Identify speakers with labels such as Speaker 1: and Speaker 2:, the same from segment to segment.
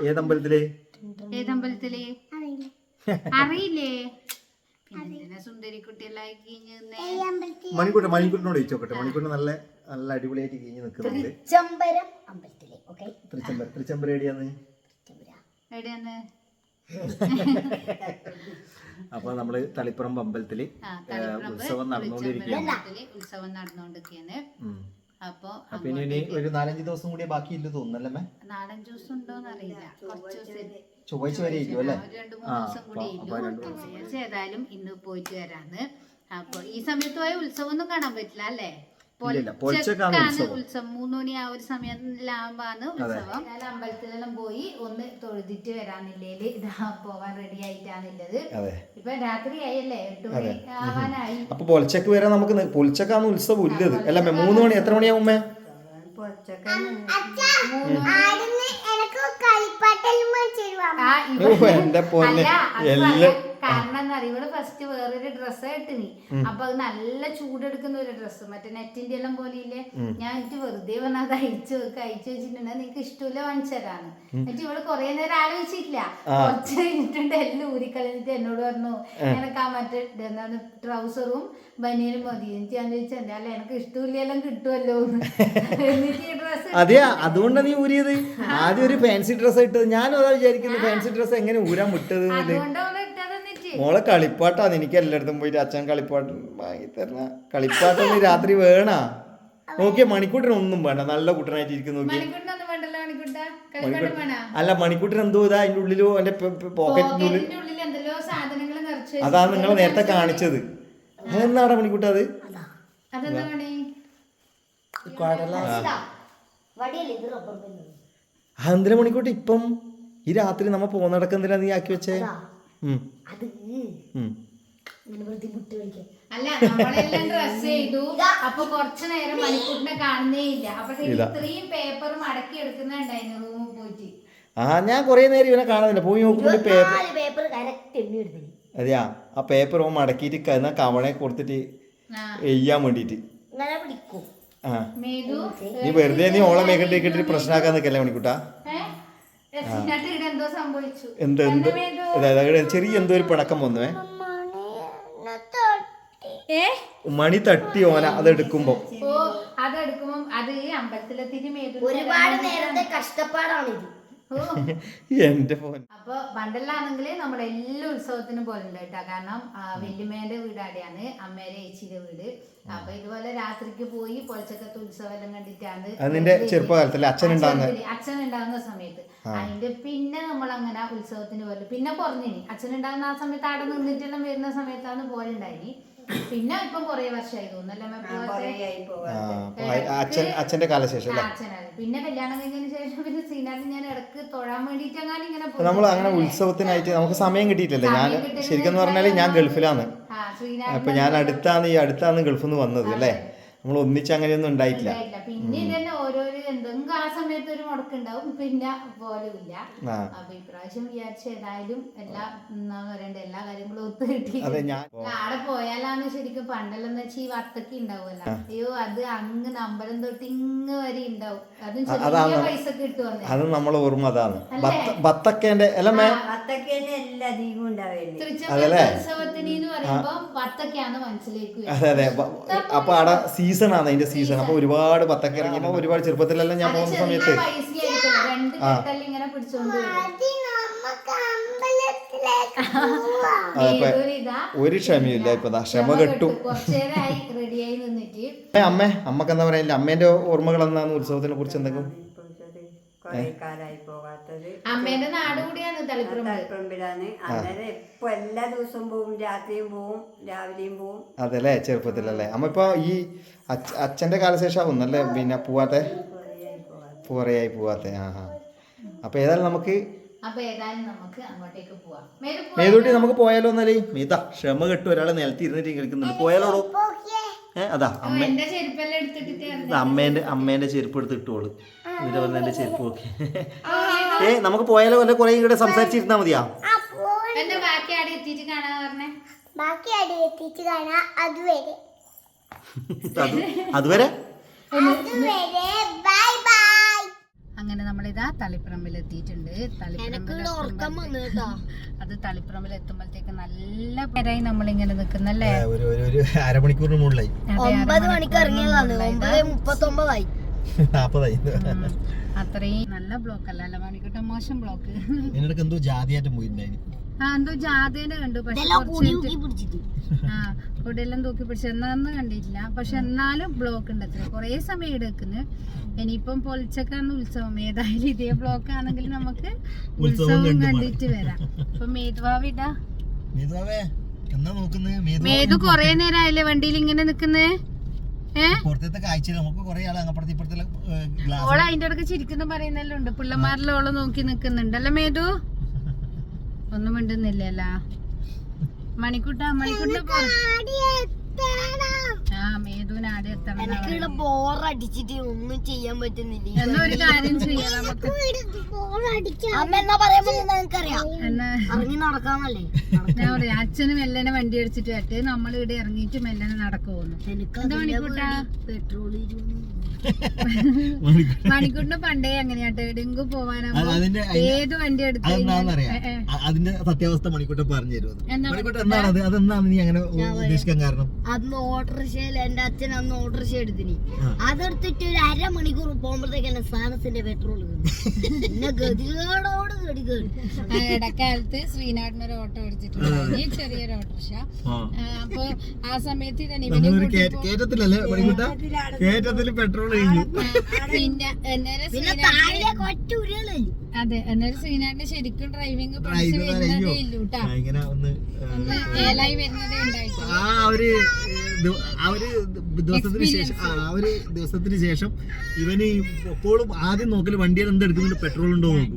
Speaker 1: ഏതമ്പലത്തില്
Speaker 2: അറിയില്ലേ? പിന്നെ സുന്ദരി കുട്ടികളായി
Speaker 1: മണിക്കൂട്ടിനോട് ചോദിച്ചോട്ടെ. മണിക്കൂട്ടിന് നല്ല നല്ല അടിപൊളിയായിട്ട് കഴിഞ്ഞ് നിൽക്കുന്നുണ്ട്. തൃച്ചംബരം എവിടെയാന്ന്? അപ്പൊ നമ്മള് തളിപ്പറമ്പ് അമ്പലത്തില് ഉത്സവം നടന്നുകൊണ്ടിരിക്കുകയാണ്. അപ്പൊ ഇനി ഒരു 4-5 ദിവസം കൂടി ബാക്കിയില്ല തോന്നുന്നല്ലേ?
Speaker 2: 4-5 ദിവസം ഉണ്ടോന്ന് അറിയില്ല.
Speaker 1: ചൊവ്വാഴ്ച വരെ ഇരിക്കും അല്ലേ?
Speaker 2: 2-3 ദിവസം ഏതായാലും ഇന്ന് പോയിട്ട് വരാന്ന്. അപ്പൊ ഈ സമയത്ത് പോയ ഉത്സവം ഒന്നും കാണാൻ പറ്റില്ല അല്ലേ? ഉത്സവം 3 മണി ആ ഒരു സമയത്തിലാകുമ്പാണ് ഉത്സവം. അമ്പലത്തിലെല്ലാം പോയി ഒന്ന് തൊഴുതിട്ട് വരാന്നില്ലേല് ഇതാ പോവാൻ റെഡി ആയിട്ടാണുള്ളത്. ഇപ്പൊ രാത്രി ആയല്ലേ, 8 മണി ആവാനായി.
Speaker 1: അപ്പൊ പൊലച്ചക്ക് വരാൻ നമുക്ക് പൊലച്ചക്കാണ് ഉത്സവം ഇല്ലത് അല്ല? 3 മണി എത്ര മണിയാവും? എന്റെ പൊന്നെ എല്ലാം
Speaker 2: കാരണം എന്താ പറയുക, ഇവിടെ ഫസ്റ്റ് വേറൊരു ഡ്രസ്സ് ഇട്ടിനി. അപ്പൊ അത് നല്ല ചൂടെടുക്കുന്ന ഒരു ഡ്രസ്സ്, മറ്റേ നെറ്റിന്റെ എല്ലാം പോലെ ഇല്ലേ. ഞാൻ എനിക്ക് വെറുതെ പറഞ്ഞാൽ അത് അയച്ചു വെച്ചിട്ടുണ്ടെങ്കിൽ നിനക്ക് ഇഷ്ടമില്ല വാങ്ങിച്ചതാണ്. എന്നിട്ട് ഇവിടെ കുറെ നേരം ആലോചിച്ചിട്ടില്ല. കുറച്ച് കഴിഞ്ഞിട്ടുണ്ട് എല്ലാം ഊരിക്കളഞ്ഞിട്ട് എന്നോട് പറഞ്ഞു എനിക്ക് ആ മറ്റേ എന്താണ് ട്രൗസറും ബനിയനും മതി. എനിക്ക് ഞാൻ ചോദിച്ചാൽ അല്ല എനിക്ക് ഇഷ്ടമില്ലെല്ലാം കിട്ടുമല്ലോ. എന്നിട്ട് ഈ ഡ്രസ്സ്
Speaker 1: അതെയാ, അതുകൊണ്ടാണ് നീ ഊരിയത്. ആദ്യം ഒരു ഫാൻസി ഡ്രസ്സ് ഇട്ടത്. ഞാനും അതാ വിചാരിക്കുന്നത്, ഫാൻസി ഡ്രസ്സ് എങ്ങനെ ഊരാൻ വിട്ടത്. മോളെ കളിപ്പാട്ടാന്ന്. എനിക്ക് എല്ലായിടത്തും പോയിട്ട് അച്ഛൻ കളിപ്പാട്ട് വാങ്ങി തരണ. കളിപ്പാട്ടൊന്നും രാത്രി വേണ. നോക്കിയ മണിക്കൂട്ടിന് ഒന്നും വേണ്ട, നല്ല കുട്ടനായിട്ട് ഇരിക്കും. നോക്കി അല്ല മണിക്കൂട്ടിന് എന്തോ ഇതാ അതിന്റെ ഉള്ളിലോ എന്റെ പോക്കറ്റിനുള്ളിൽ അതാണ് നിങ്ങൾ നേരത്തെ കാണിച്ചത്. എന്നാടാ മണിക്കൂട്ട അത്? എന്തിനാ മണിക്കൂട്ടി ഇപ്പം ഈ രാത്രി നമ്മ പോന്നടക്കം എന്തിനാ നീ ആക്കി വെച്ചേ?
Speaker 2: അല്ല നമ്മളെല്ലാം ഡ്രസ് ചെയ്തു. അപ്പൊ കൊറച്ചു നേരം മണിക്കൂട്ടിനെ കാണുന്നേ ഇല്ല. അപ്പൊ ഇത്രയും പേപ്പർ മടക്കി എടുക്കുന്നുണ്ടായിരുന്നു റൂമിൽ പോയിട്ട്.
Speaker 1: ഞാൻ കൊറേ നേരം ഇവനെ കാണുന്നില്ല. പോയി നോക്കുമ്പോൾ പേപ്പർ അതെയാ, ആ പേപ്പർ ഓൻ മടക്കിയിട്ട് കവണ കൊടുത്തിട്ട് എയ്യാൻ വേണ്ടിട്ട്. നീ വെറുതെ നീ ഓളെ മേക്കട്ടിട്ട് പ്രശ്നമാക്കാൻ നിൽക്കല്ലേ മണിക്കൂട്ടാ? എന്ത് ചെറിയ എന്തോ ഒരു പിണക്കം വന്നുവേ. മണി തട്ടി ഓന അതെടുക്കുമ്പോ
Speaker 2: ഒരുപാട് നേരത്തെ കഷ്ടപ്പാടാണിത്.
Speaker 1: എന്റെ ഫോൺ.
Speaker 2: അപ്പൊ പണ്ടെല്ലാണെങ്കിൽ നമ്മുടെ എല്ലാ ഉത്സവത്തിനും പോലുണ്ട് കേട്ടാ. കാരണം വല്യമ്മേന്റെ വീട് അവിടെയാണ്, അമ്മേരെ ഏച്ചിയുടെ വീട്. അപ്പൊ ഇതുപോലെ രാത്രിക്ക് പോയി പൊലച്ചക്കത്ത് ഉത്സവം എല്ലാം കണ്ടിട്ടാണ്
Speaker 1: അതിന്റെ ചെറുപ്പകാലത്തല്ലേ അച്ഛൻ
Speaker 2: ഉണ്ടാകുന്ന സമയത്ത്. അതിന്റെ പിന്നെ നമ്മൾ അങ്ങനെ ഉത്സവത്തിന് പോലെ പിന്നെ കുറഞ്ഞിനി. അച്ഛൻ ഉണ്ടാകുന്ന ആ സമയത്ത് അവിടെ നിന്നിട്ടെല്ലാം വരുന്ന സമയത്താണ് പോലുണ്ടായിനി. പിന്നെ ഇപ്പം കൊറേ വർഷമായി തോന്നുന്നല്ലേ
Speaker 1: അച്ഛന്റെ കാലശേഷം.
Speaker 2: പിന്നെ കല്യാണം കഴിഞ്ഞതിന് ശേഷം പിന്നെ ശ്രീനാഥിൽ ഞാൻ ഇടക്ക് തൊഴാൻ വേണ്ടിട്ട് ഇങ്ങനെ
Speaker 1: നമ്മൾ അങ്ങനെ ഉത്സവത്തിനായിട്ട് നമുക്ക് സമയം കിട്ടിയിട്ടില്ല. ഞാൻ ശരിക്കും പറഞ്ഞാല് ഞാൻ ഗൾഫിലാണ്. അപ്പൊ ഞാൻ അടുത്താണ് ഗൾഫിൽ നിന്ന് വന്നത് അല്ലേ. നമ്മൾ ഒന്നിച്ച് അങ്ങനെയൊന്നും ഉണ്ടായിട്ടില്ല.
Speaker 2: പിന്നെ ഇതന്നെ ഓരോരോ എന്തെങ്കിലും ആ സമയത്ത് ഒരു മുടക്കുണ്ടാവും, പിന്നെ പോലുമില്ല. അപ്പൊ ഇപ്രാവശ്യം വിചാരിച്ച ഏതായാലും എല്ലാ കാര്യങ്ങളും ഒത്തു കിട്ടി. ആടെ പോയാലാണ് ശരിക്കും പണ്ടെല്ലാം വെച്ചാൽ ഈ വത്തക്ക ഉണ്ടാവുമല്ലോ. അയ്യോ അത് അങ്ങ് അമ്പലം തൊട്ട് ഇങ്ങ് വരെ ഉണ്ടാവും. അതും ചെറിയ പൈസ കിട്ടുവന്നേ.
Speaker 1: അത് നമ്മളെ ഓർമ്മ അതാണ്. ബത്തക്കേന്റെ
Speaker 2: ഉത്സവത്തിന് പറയുമ്പോ വത്തക്കയാണ് മനസ്സിലേക്ക്.
Speaker 1: അതെ അപ്പൊ അവിടെ സീസൺ ആണ്, അതിന്റെ സീസൺ. അപ്പൊ ഒരുപാട് ബത്തക്ക ഇറങ്ങിയപ്പോ ഒരുപാട് ചെറുപ്പത്തിലെല്ലാം ഞാൻ പോകുന്ന സമയത്ത് ഒരു ക്ഷമയില്ല. ഇപ്പൊ ക്ഷമ കെട്ടും. അമ്മക്ക് എന്താ പറയാ, അമ്മേന്റെ ഓർമ്മകൾ എന്നാണ് ഉത്സവത്തിനെ കുറിച്ച് എന്തെങ്കിലും?
Speaker 2: അമ്മേന്റെ നാട് കൂടിയാണ്
Speaker 3: തളിപ്പറമ്പിലാണ്. അന്നേരം ഇപ്പൊ എല്ലാ ദിവസവും പോവും, രാത്രിയും പോവും, രാവിലെയും പോവും.
Speaker 1: അതല്ലേ ചെറുപ്പത്തിലല്ലേ. അമ്മ ഇപ്പൊ ഈ അച്ഛന്റെ കാലശേഷാവുന്നല്ലേ പിന്നെ പോവാത്തെ? കുറേയായി പോവാത്തെ. അപ്പൊ ഏതായാലും നമുക്ക് മേതൂട്ടി നമുക്ക് പോയാലോ? എന്നാലേ മീത ക്ഷമ കെട്ടും. ഒരാളെ നിലത്തി ഇരുന്നിട്ട് കളിക്കുന്നുണ്ട്. പോയാലോ? അതാ അമ്മേന്റെ ചെരുപ്പ് എടുത്ത് ഇട്ടോളൂ. ഇതിന്റെ പറഞ്ഞ എന്റെ ചെരുപ്പ് നോക്കി. നമുക്ക് പോയാലോ? അല്ലെ കുറെ ഇവിടെ സംസാരിച്ചിരുന്നാ മതിയാ? അതുവരെ
Speaker 2: അങ്ങനെ നമ്മൾ നമ്മളിതാ തളിപ്പറമ്പിൽ എത്തിയിട്ടുണ്ട്. അത് തളിപ്പറമ്പിൽ എത്തുമ്പോഴത്തേക്ക് നല്ല പേരായി നമ്മളിങ്ങനെ നിക്കുന്നല്ലേ.
Speaker 1: അരമണിക്കൂറിന് മുകളിലായി.
Speaker 4: 9 മണിക്ക് ഇറങ്ങിയതാണ്, 9:39
Speaker 2: അത്രയും നല്ല ബ്ലോക്ക് അല്ല മണിക്കൂട്ട, മോശം ബ്ലോക്ക്.
Speaker 1: എന്തോ ജാതിയായിട്ടും പോയിട്ടുണ്ടായിരുന്നു.
Speaker 2: എന്തോ ജാതേനെ കണ്ടു, പക്ഷെ പൊടിയെല്ലാം തൂക്കി പിടിച്ച് എന്നാന്ന് കണ്ടിട്ടില്ല. പക്ഷെ എന്നാലും ബ്ലോക്ക് ഉണ്ട് അത്ര, കൊറേ സമയം എടുക്കുന്നു. ഇനിയിപ്പം പൊളിച്ചക്കാന്ന് ഉത്സവം, ഏതായാലും ഇതേ ബ്ലോക്ക് ആണെങ്കിൽ നമുക്ക് ഉത്സവം കണ്ടിട്ട് വരാം. അപ്പൊ മേധുവാവിടാ, മേധു കൊറേ നേരമായില്ലേ വണ്ടിയിൽ ഇങ്ങനെ നിക്കുന്നേ. ഓള് അതിന്റെ ഇടയ്ക്ക് ചിരിക്കുന്നു പറയുന്നല്ലോ ഉണ്ട്. പിള്ളമാരിലും ഓള് നോക്കി നിക്കുന്നുണ്ടല്ലോ മേധു. ഒന്നും മിണ്ടുന്നില്ലല്ലോ മണിക്കുട്ട. മേധുവിന് ആടെ എത്തണം.
Speaker 4: ബോറടിച്ചിട്ട് ഒന്നും ചെയ്യാൻ പറ്റുന്നില്ല.
Speaker 2: എന്നാ ഒരു കാര്യം ചെയ്യാം നമുക്ക്.
Speaker 4: അമ്മ എന്നാ പറയുമ്പോ നിനക്കറിയാം, ഇറങ്ങി നടക്കാന്നല്ലേ.
Speaker 2: ഞാൻ പറയാം അച്ഛന് മെല്ലനെ വണ്ടി അടിച്ചിട്ട് വരട്ടെ, നമ്മൾ ഇവിടെ ഇറങ്ങിയിട്ട് മെല്ലനെ നടക്കുമെന്ന്. എന്താ മണിക്കൂട്ടാ?
Speaker 4: പെട്രോൾ
Speaker 2: മണിക്കൂറിന് പണ്ടേ അങ്ങനെയാട്ടെ, എവിടെയെങ്കിലും പോവാനാകുമ്പോ ഏത് വണ്ടി എടുത്ത്
Speaker 1: അതിന്റെ സത്യാവസ്ഥ മണിക്കൂട്ടം പറഞ്ഞു തരുമോ? നീ അങ്ങനെ ഉദ്ദേശിക്കാൻ കാരണം
Speaker 4: അന്ന് ഓട്ടോറിക്ഷയിൽ എന്റെ അച്ഛൻ അന്ന് ഓട്ടോറിക്ഷ എടുത്തിനി, അതെടുത്തിട്ട് ഒരു 1/2 മണിക്കൂർ പോകുമ്പോഴത്തേക്ക് എന്റെ സാധനത്തിന്റെ പെട്രോൾ പിന്നെ ഗതികേടോട് ഗതികേട്.
Speaker 2: ഇടക്കാലത്ത് ശ്രീനാടിനൊരു ഓട്ടോ എടുത്തിട്ടുണ്ട്, ചെറിയൊരു ഓട്ടോറിക്ഷ. അപ്പൊ ആ സമയത്ത്
Speaker 1: കേറ്റത്തിലല്ലേ മണിക്കൂട്ട, കേറ്റത്തില് പെട്രോൾ കഴിഞ്ഞു.
Speaker 2: പിന്നെ അതെ, എന്നാലും ശ്രീനാടിന് ശരിക്കും ഡ്രൈവിംഗ് പഠിച്ചു വരുന്നതേ ഇല്ലൂ കേട്ടാ, ഏലായി വരുന്നതേ ഉണ്ടായിട്ടുള്ളൂ.
Speaker 1: ദിവസത്തിന് ശേഷം ഇവന് എപ്പോഴും ആദ്യം നോക്കല് വണ്ടിയിൽ എന്തെടുക്കുന്നുണ്ട്, പെട്രോൾ ഉണ്ടോ നോക്കും.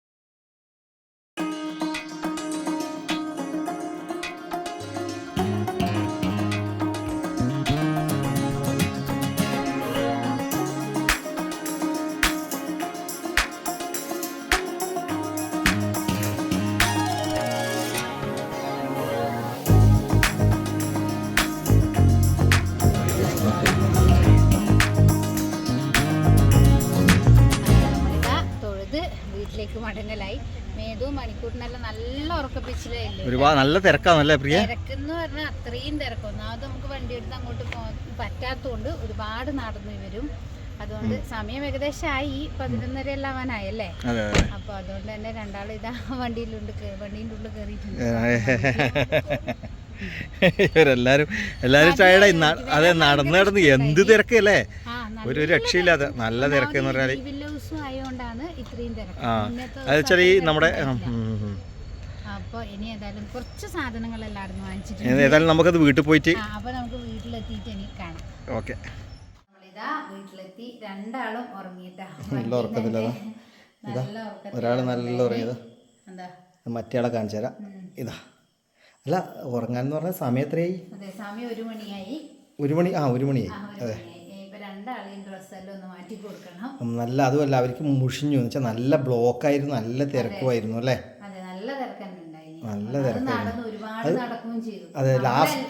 Speaker 2: മടങ്ങലായി. മേധു മണിക്കൂറിനെല്ലാം നല്ല ഉറക്കപ്പിച്ചിലായില്ലേ,
Speaker 1: ഒരുപാട് നല്ല തിരക്കാണല്ലേ പ്രിയ.
Speaker 2: തിരക്കെന്ന് പറഞ്ഞാൽ അത്രയും തിരക്ക്. ഒന്നാമത് നമുക്ക് വണ്ടി എടുത്ത് അങ്ങോട്ട് പോകാൻ പറ്റാത്തതുകൊണ്ട് ഒരുപാട് നടന്നു വരും. അതുകൊണ്ട് സമയം ഏകദേശം ആയി, 11:30 എല്ലാം ആവാനായല്ലേ. അപ്പൊ അതുകൊണ്ട് തന്നെ രണ്ടാളും ഇതാ വണ്ടിൻ്റെ ഉള്ളിൽ കയറിയിട്ടുണ്ട്.
Speaker 1: എല്ലാരും ടയർഡായി. അതെ, നടന്ന് എന്ത് തിരക്കല്ലേ, ഒരു രക്ഷയില്ലാതെ നല്ല തിരക്ക് എന്ന് പറഞ്ഞാല്. അത് വെച്ചാൽ ഈ നമ്മുടെ
Speaker 2: അപ്പൊ ഇനി ഏതായാലും കുറച്ച് സാധനങ്ങളെല്ലാം വാങ്ങിച്ചിട്ടുണ്ട്.
Speaker 1: ഏതായാലും നമുക്കത് വീട്ടിൽ പോയിട്ട്
Speaker 2: അപ്പൊ നമുക്ക് വീട്ടിലെത്തിയിട്ട് ഇനി കാണാം.
Speaker 1: ഓക്കെ,
Speaker 2: നമ്മളിതാ വീട്ടിലെത്തി, രണ്ടാളും ഉറങ്ങിയിട്ടാ.
Speaker 1: നല്ല ഉറക്കത്തില്ല. ഒരാള് നല്ല ഉറങ്ങിയത്,
Speaker 2: എന്താ
Speaker 1: മറ്റേ ആളെ കാണിച്ചു തരാം. ഇതാ അല്ല, ഉറങ്ങാന്ന് പറഞ്ഞ സമയം എത്രയായി?
Speaker 2: അതെ, സമയം 1 മണിയായി.
Speaker 1: 1 മണിയായി. അതെ,
Speaker 2: മാറ്റി കൊടുക്കണം.
Speaker 1: നല്ല, അതുമല്ല അവർക്ക് മുഷിഞ്ഞു എന്ന് വെച്ചാൽ നല്ല ബ്ലോക്കായിരുന്നു, നല്ല തിരക്കുമായിരുന്നു അല്ലേ. നല്ല തിരക്കായിരുന്നു. അതെ, ലാസ്റ്റ്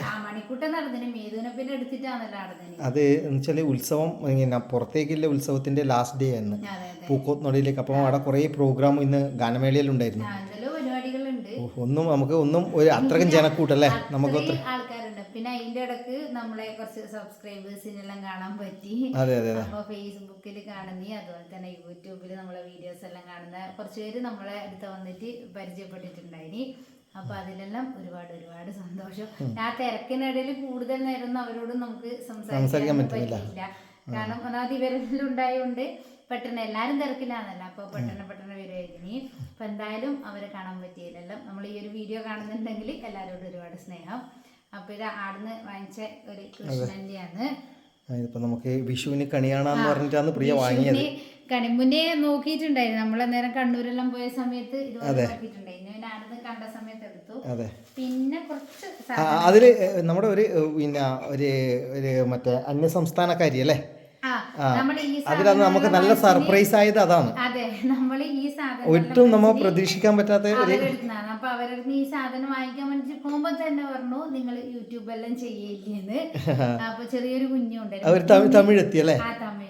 Speaker 1: അത് എന്നുവെച്ചാൽ ഉത്സവം ഇങ്ങനെ പുറത്തേക്കുള്ള ഉത്സവത്തിന്റെ ലാസ്റ്റ് ഡേ ആയിരുന്നു, പൂക്കോത്തൊടിയിലേക്ക്. അപ്പം അവിടെ കുറേ പ്രോഗ്രാം ഇന്ന് ഗാനമേളയിലുണ്ടായിരുന്നു. ഒന്നും നമുക്ക് ഒരു അത്രക്കും ജനക്കൂട്ടല്ലേ നമുക്ക്.
Speaker 2: പിന്നെ അതിന്റെ ഇടക്ക് നമ്മളെ കുറച്ച് സബ്സ്ക്രൈബേഴ്സിനെല്ലാം കാണാൻ പറ്റി. അപ്പൊ ഫേസ്ബുക്കിൽ കാണുന്ന, അതുപോലെ തന്നെ യൂട്യൂബിൽ നമ്മളെ വീഡിയോസ് എല്ലാം കാണുന്ന കുറച്ച് പേര് നമ്മളെ അടുത്ത് വന്നിട്ട് പരിചയപ്പെട്ടിട്ടുണ്ടായിനി. അപ്പൊ അതിലെല്ലാം ഒരുപാട് സന്തോഷം. ആ തിരക്കിനിടയിൽ കൂടുതൽ നേരം അവരോട് നമുക്ക് സംസാരിക്കാൻ പറ്റില്ല. കാരണം ഒന്നാമത് ഇവരെല്ലാം ഉണ്ടായതുകൊണ്ട് പെട്ടെന്ന് എല്ലാവരും തിരക്കില്ലാന്നല്ല, അപ്പോൾ പെട്ടെന്ന് വരുമായിരുന്നു. അപ്പൊ എന്തായാലും അവരെ കാണാൻ പറ്റിയില്ലല്ലോ. നമ്മൾ ഈ ഒരു വീഡിയോ കാണുന്നുണ്ടെങ്കിൽ എല്ലാവരോടും ഒരുപാട് സ്നേഹം. അപ്പൊ ഇത് ആടുന്ന് വാങ്ങിച്ച ഒരു കൃഷ്ണന്റെയാണ്.
Speaker 1: ഇപ്പൊ നമുക്ക് വിഷുവിന് കണിയാണെന്ന് പറഞ്ഞിട്ടാണ് പ്രിയ വാങ്ങിയത്.
Speaker 2: കണിമുന്നേ നോക്കിയിട്ടുണ്ടായിരുന്നു, നമ്മളന്നേരം കണ്ണൂരെല്ലാം പോയ സമയത്ത് ഇതുപോലെ നോക്കിയിട്ടുണ്ടായിരുന്നു. പിന്നെ ആടുന്ന് കണ്ട സമയത്ത് എടുത്തു. പിന്നെ കുറച്ച്
Speaker 1: അതില് നമ്മുടെ പിന്നെ ഒരു മറ്റേ അന്യ സംസ്ഥാനക്കാരി അല്ലേ, അതിലത് നമുക്ക് നല്ല സർപ്രൈസ് ആയത് അതാണ്.
Speaker 2: അതെ, നമ്മൾ ഈ സാധനം
Speaker 1: ഒട്ടും നമ്മൾ പ്രതീക്ഷിക്കാൻ പറ്റാത്ത
Speaker 2: അപ്പൊ അവരുടെ ഈ സാധനം വാങ്ങിക്കാൻ വേണ്ടി പോകുമ്പോ തന്നെ പറഞ്ഞു നിങ്ങൾ യൂട്യൂബ് എല്ലാം ചെയ്യില്ലേന്ന്. അപ്പൊ ചെറിയൊരു കുഞ്ഞുണ്ടായിരുന്നു,
Speaker 1: തമിഴ് എത്തിയല്ലേ.
Speaker 2: തമിഴ്.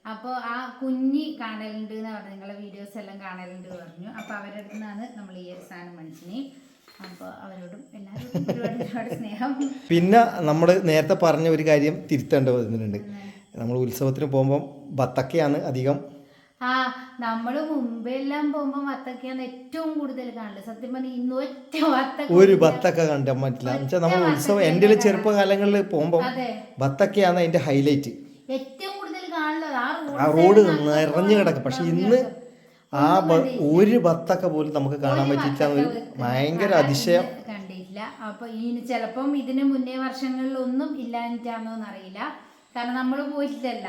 Speaker 2: അപ്പോൾ ആ കുഞ്ഞി കാണലുണ്ട് എന്ന് പറഞ്ഞു, നിങ്ങളെ വീഡിയോസ് എല്ലാം കാണലുണ്ട് പറഞ്ഞു. അപ്പോൾ അവരുടെ അടുത്ത് നിന്നാണ് നമ്മൾ ഈ ഒരു സാധനം മേടിച്ചിന്. അപ്പോൾ അവരോടും എല്ലാവരോടും ഒരുപാട് ഒരുപാട് സ്നേഹം.
Speaker 1: പിന്നെ നമ്മൾ നേരത്തെ പറഞ്ഞ ഒരു കാര്യം തിരുത്തേണ്ടി വരുന്നുണ്ട്. നമ്മൾ ഉത്സവത്തിന് പോകുമ്പം ബത്തക്കയാണ് അധികം.
Speaker 2: ആ നമ്മള് മുമ്പെല്ലാം പോകുമ്പോ വത്തക്കയാണ് ഏറ്റവും കൂടുതൽ കാണുന്നത്. സത്യം പറഞ്ഞാൽ ഇന്ന് ഒറ്റ
Speaker 1: ഒരു ബത്തക്ക കണ്ടാൻ പറ്റില്ല. എന്നുവെച്ചാൽ നമ്മൾ ഉത്സവം എൻ്റെ ചെറുപ്പകാലങ്ങളിൽ പോകുമ്പോൾ ബത്തക്കയാണ് അതിന്റെ ഹൈലൈറ്റ്.
Speaker 2: ഏറ്റവും കൂടുതൽ കാണുന്നത്
Speaker 1: ആ റോഡ് നിറഞ്ഞു കിടക്കും. പക്ഷെ ഇന്ന് ആ ഒരു ബത്തക്ക പോലും നമുക്ക് കാണാൻ പറ്റിയിട്ടാണ് ഭയങ്കര അതിശയം.
Speaker 2: കണ്ടില്ല. അപ്പൊ ഇനി ചിലപ്പം ഇതിന് മുന്നേ വർഷങ്ങളിലൊന്നും ഇല്ലാഞ്ഞിട്ടാണോന്ന് അറിയില്ല. കാരണം നമ്മള് പോയിട്ടില്ല.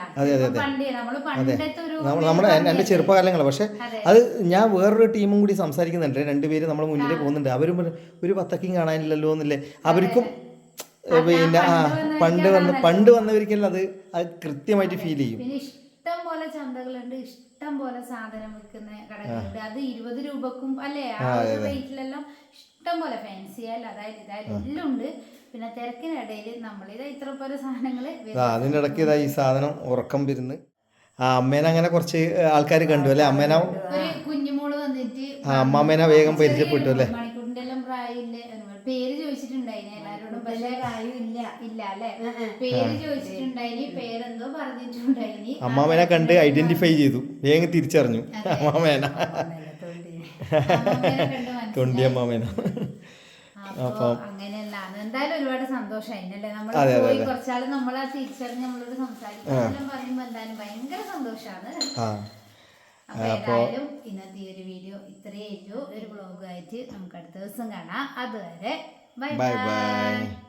Speaker 1: നമ്മുടെ എൻ്റെ ചെറുപ്പകാലങ്ങൾ. പക്ഷെ അത് ഞാൻ വേറൊരു ടീമും കൂടി സംസാരിക്കുന്നുണ്ട്. രണ്ടുപേര് നമ്മുടെ മുന്നിൽ പോകുന്നുണ്ട്. അവരും ഒരു ബത്തക്കയും കാണാനില്ലല്ലോ എന്നല്ലേ അവർക്കും. പിന്നെ പണ്ട് വന്നവർക്കെല്ലാം അത് കൃത്യമായിട്ട് ഫീൽ ചെയ്യും.
Speaker 2: പിന്നെ ഇഷ്ടം പോലെ ചന്തകളുണ്ട്, ഇഷ്ടം പോലെ സാധനം വിൽക്കുന്ന കടകളുണ്ട്. അത് 20 രൂപക്കും അല്ലേ ആ ഒരു റേറ്റിലെല്ലാം ഇഷ്ടം പോലെ ഫാൻസി ആയാലും അതായത് ഇതായാലും എല്ലാം ഉണ്ട്. പിന്നെ തിരക്കിനിടയിൽ നമ്മളിത് ഇത്ര പോലെ സാധനങ്ങള്
Speaker 1: അതിൻ്റെ ഇടയ്ക്ക് ഇതാ ഈ സാധനം ഉറക്കം വരുന്നു. ആ അമ്മേനെ അങ്ങനെ കുറച്ച് ആൾക്കാർ കണ്ടു അല്ലേ? അമ്മേന
Speaker 2: ഒരു കുഞ്ഞുമോള് വന്നിട്ട്
Speaker 1: അമ്മാമേനെ വേഗം പരിചയപ്പെട്ടു അല്ലേ?
Speaker 2: മണിക്കൂറിന്റെ എല്ലാം പ്രായമില്ല പേര് ചോദിച്ചിട്ടുണ്ടായിന് എല്ലാരോടും. പക്ഷേ ഇല്ല അല്ലെ, പേര് ചോദിച്ചിട്ടുണ്ടായിനി, പേരെന്തോ പറഞ്ഞിട്ടുണ്ടായിനി.
Speaker 1: അമ്മാമേനെ കണ്ട് ഐഡന്റിഫൈ ചെയ്തു, വേഗം തിരിച്ചറിഞ്ഞു അമ്മാമേന, തൊണ്ടി അമ്മാമേന.
Speaker 2: അപ്പൊ അങ്ങനെയല്ല. എന്തായാലും ഒരുപാട് സന്തോഷമായില്ലേ നമ്മൾ പോയി കുറച്ചാള് നമ്മളാ തിരിച്ചറിഞ്ഞ് നമ്മളോട് സംസാരിക്കാൻ പറയുമ്പോ എന്തായാലും ഭയങ്കര സന്തോഷാണ്. അപ്പൊ ഏതായാലും ഇന്നത്തെ ഈ ഒരു വീഡിയോ ഇത്രയേ ഉള്ളൂ. ഒരു വ്ളോഗായിട്ട് നമുക്ക് അടുത്ത ദിവസം കാണാം. അതുവരെ ബൈ ബൈ.